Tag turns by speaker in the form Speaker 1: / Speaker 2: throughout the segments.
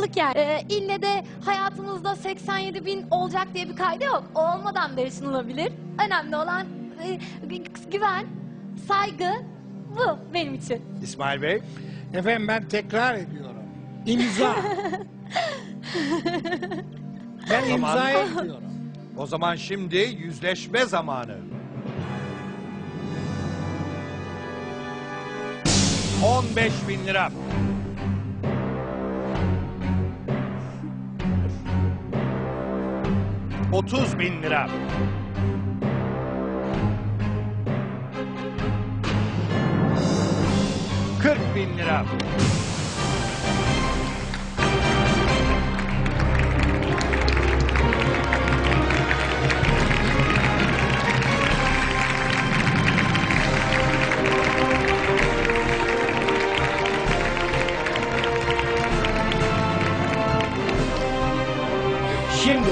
Speaker 1: farklılık yani. İlle de hayatımızda 87.000 olacak diye bir kaydı yok. O olmadan da yaşanılabilir. Önemli olan güven, saygı, bu benim için.
Speaker 2: İsmail Bey.
Speaker 3: Efendim ben tekrar ediyorum. İmza. Ben imzaya gidiyorum.
Speaker 2: O zaman şimdi yüzleşme zamanı. 15.000 lira. $30.000 lira. $40.000 lira.
Speaker 3: Şimdi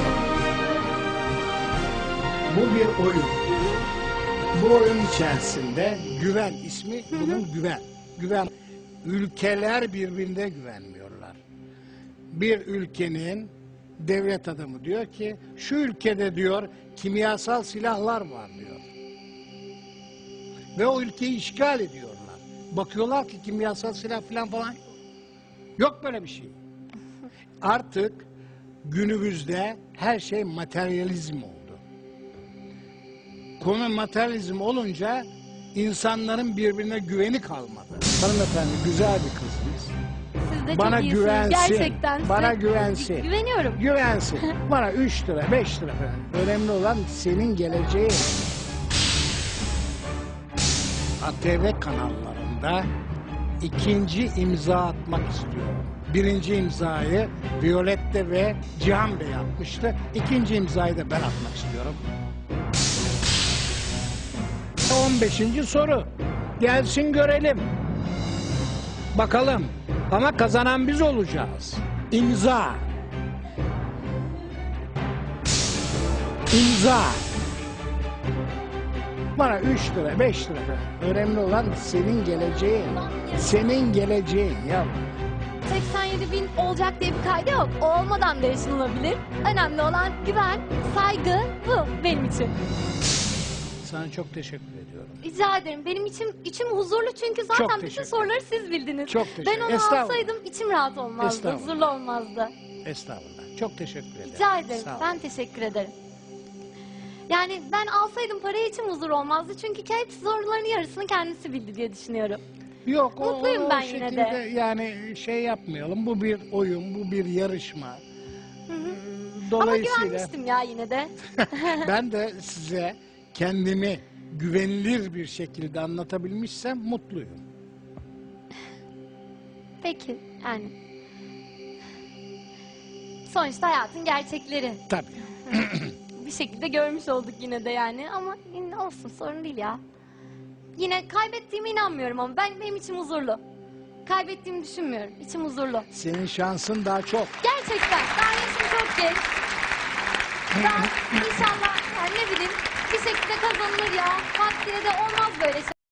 Speaker 3: bu bir oyun. Bu oyun içerisinde güven ismi bunun güven. Güven. Ülkeler birbirine güvenmiyorlar. Bir ülkenin devlet adamı diyor ki şu ülkede diyor kimyasal silahlar var diyor. Ve o ülkeyi işgal ediyorlar. Bakıyorlar ki kimyasal silah falan yok. Yok böyle bir şey. Artık günümüzde her şey materyalizm oldu. Konu materyalizm olunca insanların birbirine güveni kalmadı. Hanımefendi güzel bir kızınız.
Speaker 1: Siz de
Speaker 3: Bana
Speaker 1: çok iyisiniz.
Speaker 3: güvensin.
Speaker 1: Gerçekten
Speaker 3: Bana
Speaker 1: size
Speaker 3: güvensin.
Speaker 1: güveniyorum.
Speaker 3: Güvensin. Bana 3 lira, 5 lira falan. Önemli olan senin geleceğin. ATV kanallarında ikinci imza atmak istiyorum. Birinci imzayı Violette ve Cihan Bey atmıştı. İkinci imzayı da ben atmak istiyorum. 15. soru. Gelsin görelim. Bakalım. Ama kazanan biz olacağız. İmza. İmza. Bana 3 lira, 5 lira. Önemli olan senin geleceğin. Senin geleceğin ya.
Speaker 1: 87.000 olacak diye bir kaydı yok. O olmadan da yaşanılabilir. Önemli olan güven, saygı, bu benim için.
Speaker 3: Sana çok teşekkür ediyorum.
Speaker 1: Rica ederim. Benim içim huzurlu çünkü zaten bütün
Speaker 3: teşekkür
Speaker 1: soruları siz bildiniz.
Speaker 3: Çok teşekkür
Speaker 1: Ben onu
Speaker 3: Estağfurullah.
Speaker 1: alsaydım içim rahat olmazdı,
Speaker 3: Estağfurullah.
Speaker 1: huzurlu olmazdı.
Speaker 3: Estağfurullah. Çok teşekkür ederim.
Speaker 1: Rica ederim.
Speaker 3: Sağ ol.
Speaker 1: Ben teşekkür ederim. Yani ben alsaydım parayı içim huzur olmazdı. Çünkü hepsi soruların yarısını kendisi bildi diye düşünüyorum.
Speaker 3: Yok
Speaker 1: Mutluyum ben yine
Speaker 3: şekilde
Speaker 1: de.
Speaker 3: yani şey yapmayalım. Bu bir oyun, bu bir yarışma.
Speaker 1: Ama
Speaker 3: Dolayısıyla
Speaker 1: güvenmiştim ya yine de.
Speaker 3: ben de size kendimi güvenilir bir şekilde anlatabilmişsem mutluyum.
Speaker 1: Peki yani. Sonuçta hayatın gerçekleri.
Speaker 3: Tabii.
Speaker 1: Bir şekilde görmüş olduk yine de yani. Ama yine olsun, sorun değil ya. Yine kaybettiğime inanmıyorum ama benim içim huzurlu. Kaybettiğimi düşünmüyorum. İçim huzurlu.
Speaker 3: Senin şansın daha çok.
Speaker 1: Gerçekten. Daha yaşım çok genç. Daha inşallah yani ne bileyim bir şekilde kazanılır ya. Vaktiyle de olmaz böyle şey.